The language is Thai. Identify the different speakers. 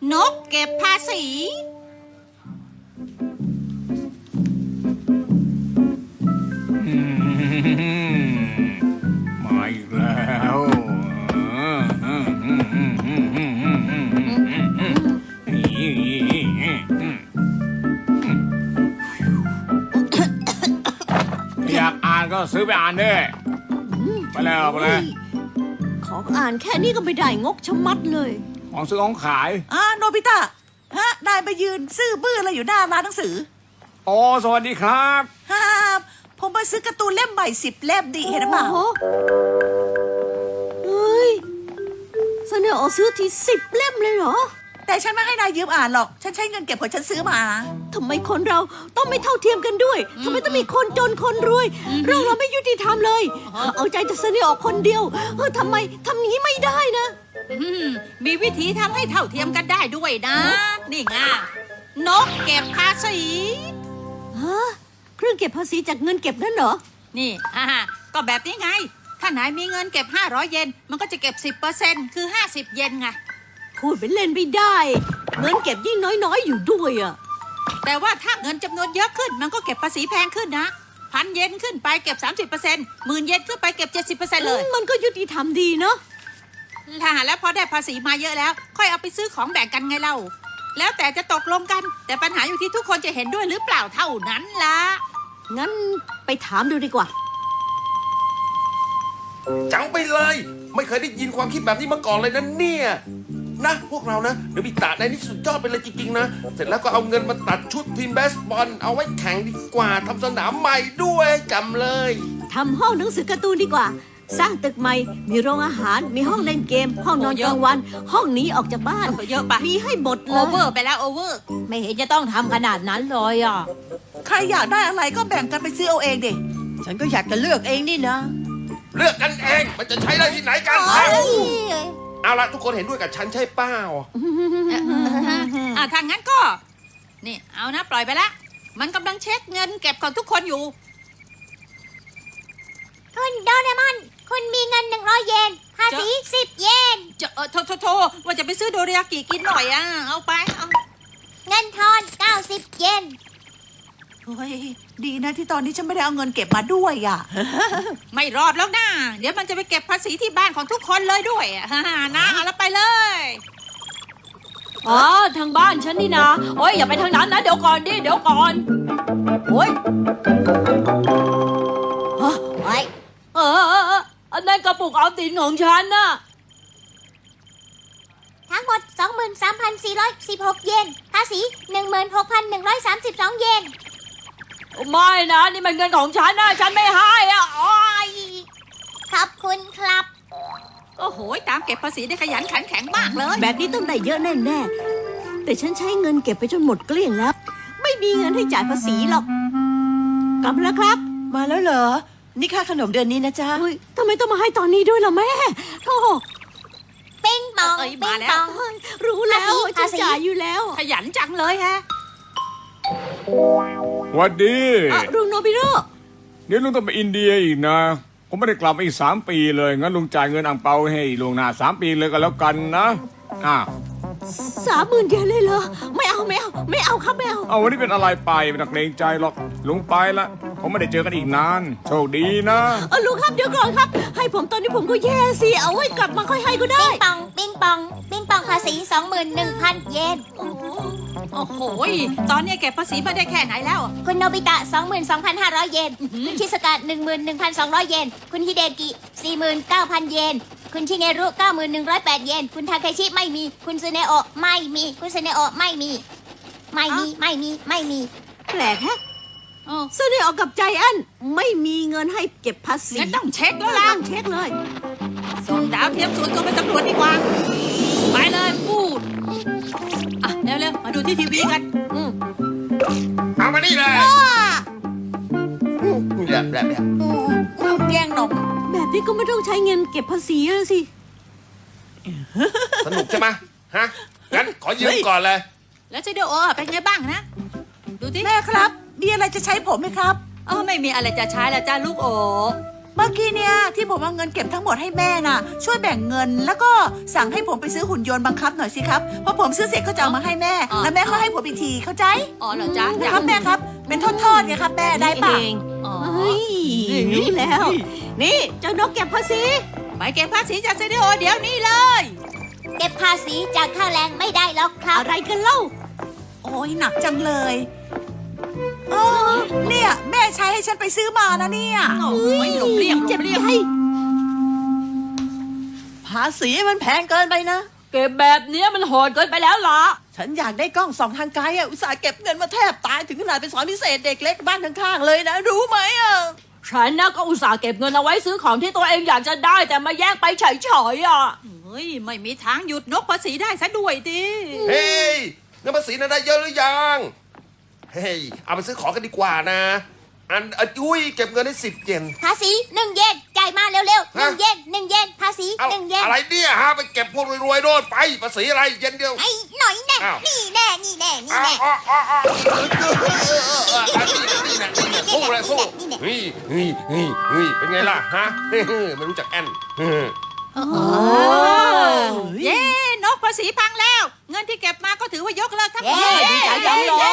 Speaker 1: นกเก็บภาษี
Speaker 2: มาอีกแล้วอยากอ่านก็ซื้อไปอ่านด้วยไปแล้วไปแล้ว
Speaker 3: ของอ่านแค่นี้ก็ไม่ได้งกชะมัดเลย
Speaker 2: ของซื้อของขาย
Speaker 4: โนบิตะฮะนายมายืนซื่อบื้ออะไรอยู่หน้าร้านหนังสือ
Speaker 2: โอ้สวัสดีครับ
Speaker 4: ฮ่าผมมาซื้อการ์ตูนเล่มใหม่10 เล่มดิเห็นไหม
Speaker 3: โอ้โหเฮ้ยเสนอออกซื้อที10 เล่มเลยเหรอ
Speaker 4: แต่ฉันไม่ให้นายยืมอ่านหรอกฉันใช้เงินเก็บของฉันซื้อมา
Speaker 3: ทำไมคนเราต้องไม่เท่าเทียมกันด้วยทำไมต้องมีคนจนคนรวยเรื่องเราไม่ยุติธรรมเลย เอาใจจะเสนอออกคนเดียวทำไมทำอย่างนี้ไม่ได้นะ
Speaker 1: มีวิธีทำให้เท่าเทียมกันได้ด้วยนะ นี่ไงนกเก็บภาษี
Speaker 3: ฮะเครื่องเก็บภาษีจากเงินเก็บนั่นเหรอ
Speaker 1: นี่ก็แบบนี้ไง ถ้านายมีเงินเก็บ500 เยนมันก็จะเก็บ 10% คือ50 เยนไง
Speaker 3: พูดเป็นเล่นไม่ได้ เงินเก็บยิ่งน้อยๆอยู่ด้วยอ่ะ
Speaker 1: แต่ว่าถ้าเงินจำนวนเยอะขึ้นมันก็เก็บภาษีแพงขึ้นนะ1,000 เยนขึ้นไปเก็บ 30% 10,000 เยนขึ้นไปเก็บ 70% เลย
Speaker 3: มันก็ยุติธรรมดีเนาะ
Speaker 1: แล้วพอได้ภาษีมาเยอะแล้ว ค่อยเอาไปซื้อของแบ่งกันไงเล่า แล้วแต่จะตกลงกัน แต่ปัญหาอยู่ที่ทุกคนจะเห็นด้วยหรือเปล่าเท่านั้นล่ะ
Speaker 3: งั้นไปถามดูดีกว่า
Speaker 5: จังไปเลย ไม่เคยได้ยินความคิดแบบนี้มาก่อนเลยนะเนี่ยนะพวกเรานะเดี๋ยวมีตาในนี่สุดยอดไปเลยจริงๆนะเสร็จแล้วก็เอาเงินมาตัดชุดทีมเบสบอลเอาไว้แข่งดีกว่าทำสนามใหม่ด้วยจำเลย
Speaker 3: ทำห้องหนังสือการ์ตูนดีกว่า สร้างตึกใหม่ มีโรงอาหาร มีห้องเล่นเกม ห้องนอนกลางวัน ห้องหนี้ออกจากบ้าน
Speaker 1: เยอะไป
Speaker 3: มีให้หมดเล
Speaker 1: โอย เวอร์ไปแล้วโอเวอร์
Speaker 3: ไม่เห็นจะต้องทำขนาดนั้นเลยอ่ะ
Speaker 4: ใครอยากได้อะไรก็แบ่งกันไปซื้อเอาเองดิ
Speaker 6: ฉันก็อยากจะเลือกเองนี่นะ
Speaker 5: เลือกกันเองมันจะใช้ได้ที่ไหนกันเอาละทุกคนเห็นด้วยกับฉันใช่เปล่า
Speaker 1: ทางงั้นก็ นี่เอานะปล่อยไปละ มันกำลังเช็คเงินเก็บของทุกคนอยู่
Speaker 7: คุณโดเรมอน คุณมีเงิน100 เยน ภาษี10 เยน
Speaker 1: โทว่าจะไปซื้อโดริยากิกินหน่อยเอาไปเอา
Speaker 7: เงินทอน90 เยน
Speaker 4: เฮ้ยดีนะที่ตอนนี้ฉันไม่ได้เอาเงินเก็บมาด้วยอ่ะ
Speaker 1: ไม่รอดแล้วนะเดี๋ยวมันจะไปเก็บภาษีที่บ้านของทุกคนเลยด้วยนะเอาแล้วไปเลย
Speaker 3: อ๋อ ทางบ้านฉันนี่นะ โอ้ยอย่าไปทางนั้นนะ เดี๋ยวก่อนดิ เดี๋ยวก่อน โอ้ยอันนั้นกระปุกออมสินของฉันน่ะ
Speaker 7: ทั้งหมด 23,416 เยน ภาษี 16,132 เยน
Speaker 3: ไม่นะ นี่มันเงินของฉันนะ ฉันไม่ให้อ่ะโอ้ย
Speaker 7: ขอบคุณครับ
Speaker 1: โอ้โหตามเก็บภาษีได้ขยันขันแข็งมากเลย
Speaker 3: แบบนี้ต้องได้เยอะแน่ๆ แต่ฉันใช้เงินเก็บไปจนหมดเกลี้ยงแล้ว ไม่มีเงินให้จ่ายภาษีหรอก กลับมาแล้วครับ
Speaker 6: มาแล้วเหรอ นี่ค่าขนมเดือนนี้นะจ๊ะ
Speaker 3: เฮ้ยทำไมต้องมาให้ตอนนี้ด้วยล่ะแม่โธ่
Speaker 7: ปิ้งปอง
Speaker 1: เอ้ย
Speaker 7: ปิ้
Speaker 1: มาง แล้ว
Speaker 7: ปอง
Speaker 3: รู้แล้ว
Speaker 7: ภาษี
Speaker 3: จะจ่ายอยู่แล้ว
Speaker 1: ขยันจังเลยฮะ
Speaker 2: หวัดดี
Speaker 3: ลุงโนบิโร่
Speaker 2: เดี๋ยวลุงต้องไปอินเดียอีกนะ ผมไม่ได้กลับมาอีก3 ปีเลย งั้นลุงจ่ายเงินอ่างเปาให้ล่วงหน้า3 ปีเลยก็แล้วกันนะ
Speaker 3: 30,000 เยนเลยเหรอ ไม่เอาครับไม่เอา
Speaker 2: เอาวันนี้เป็นอะไรไปไม่ต้องเกรงใจหรอกลุงไปละผมไม่ได้เจอกันอีกนานโชคดีนะ
Speaker 3: ลุงครับเดี๋ยวก่อนครับ ให้ผมตอนนี้ผมก็แย่สิ เอาไว้กลับมาค่อยให้ก็ได้
Speaker 7: ปิ้งปอง ภาษี 21,000 เยน
Speaker 1: โอ้โหตอนนี้เก็บภาษีมาได้แค่ไหนแล้ว
Speaker 7: คุณโนบิตะ 22,500 เยน คุณชิสกะ 11,200 เยน คุณฮิเดกิ 49,000 เยน คุณชิเนรุ 91,108 เยน คุณทาเคชิไม่มี คุณซูเนโอะไม่มี คุณซูเนโอะไม่มี ไม่มี
Speaker 3: แปลกแฮะเสนอออกกับใจอันไม่มีเงินให้เก็บภาษี
Speaker 1: งั้นต้องเช็คแล้วล่ะ
Speaker 3: ต้องเช็คเลย
Speaker 1: ส่งดาวเทียมส่วนตัวไปสำรวจดีกว่า ไปเลยพูดเร็วๆมาดูที่ทีวีกัน
Speaker 5: เอามานี่เลยแบบ
Speaker 4: แย่งนม
Speaker 3: แบบนี้ก็ไม่ต้องใช้เงินเก็บภาษีแล้วสิ
Speaker 5: สนุกใช่ไหมฮะงั้นขอยืมก่อนเลย
Speaker 1: แล้วซีดีโอเป็นไงบ้างนะ ดูที่
Speaker 4: แม่ครับมีอะไรจะใช้ผมไหมครับ
Speaker 1: ไม่มีอะไรจะใช้แล้วจ้าลูกโอ
Speaker 4: มื่อกี้เนี่ยที่ผมเอาเงินเก็บทั้งหมดให้แม่น่ะ ช่วยแบ่งเงินแล้วก็สั่งให้ผมไปซื้อหุ่นยนต์บังคับหน่อยสิครับพอผมซื้อเสร็จก็จะเอามาให้แม่ แล้วแม่ก็ให้ผมอีกทีเข้าใจ
Speaker 1: อ๋อเหรอจ๊ะ
Speaker 4: นะครับแม่ครับเป็นทอดๆไงครับแม่ได้ปะ
Speaker 1: อ๋อ
Speaker 3: เฮ้ยรู้แล้ว นี่เจ้านกเก็บภาษี
Speaker 1: ไปเก็บภาษีจากเซนิโอเดี๋ยวนี้เลย
Speaker 7: เก็บภาษีจากค่าแรงไม่ได้หรอกครับ
Speaker 3: อะไรกันเล่า
Speaker 4: โอ้ยหนักจังเลยเออเนี่ยแม่ใช้ให้ฉันไปซื้อมานะเนี่ย
Speaker 1: โอ้ยหลบเลี่ยงหล
Speaker 3: เจ็บบ
Speaker 1: เลี่ยง
Speaker 3: ใจ
Speaker 6: ภาษีมันแพงเกินไปนะ
Speaker 8: เก็บแบบเนี้ยมันโหดเกินไปแล้วล่ะ
Speaker 6: ฉันอยากได้กล้องส่องทางไกลอ่ะ อุตส่าห์เก็บเงินมาแทบตายถึงขนาดไปสอนพิเศษเด็กเล็กบ้านข้างๆเลยนะ รู้ไหมอ่ะ
Speaker 8: ฉันนะก็อุตส่าห์เก็บเงินเอาไว้ซื้อของที่ตัวเองอยากจะได้แต่มาแย่งไปเฉยๆอ่ะ
Speaker 1: เฮ้ยไม่มีทางหยุดนกภาษีได้ซะด้วยดิ
Speaker 5: เฮ้ยเงินภาษีน่ะได้เยอะหรือยังเฮ้ยเอาไปซื้อของกันดีกว่านะอุ้ยเก็บเงินได้10 เยน
Speaker 7: ภาษี1 เยนจ่ายมาเร็วๆ1 เยน1 เยนภาษี
Speaker 5: เอา
Speaker 7: 1 เยน
Speaker 5: อะไรเนี่ยฮะไปเก็บพวกรวยๆโน่นไปภาษีอะไรเย็นเดียว
Speaker 7: ไอ้หน่อยแน่
Speaker 5: อ้าว
Speaker 7: นี่แน่นี่แน่นี่
Speaker 5: อ้าว
Speaker 7: แน่
Speaker 5: อ้าวอ้าวอ้าวนี่นะสู้เลยสู้นี่เป็นไงล่ะฮะไม่รู้จักแอน
Speaker 1: เย้นกภาษีพังแล้ว เงินที่เก็บมาก็ถือว่ายกเลิกทั้งหมด
Speaker 8: ดีใจจังเลย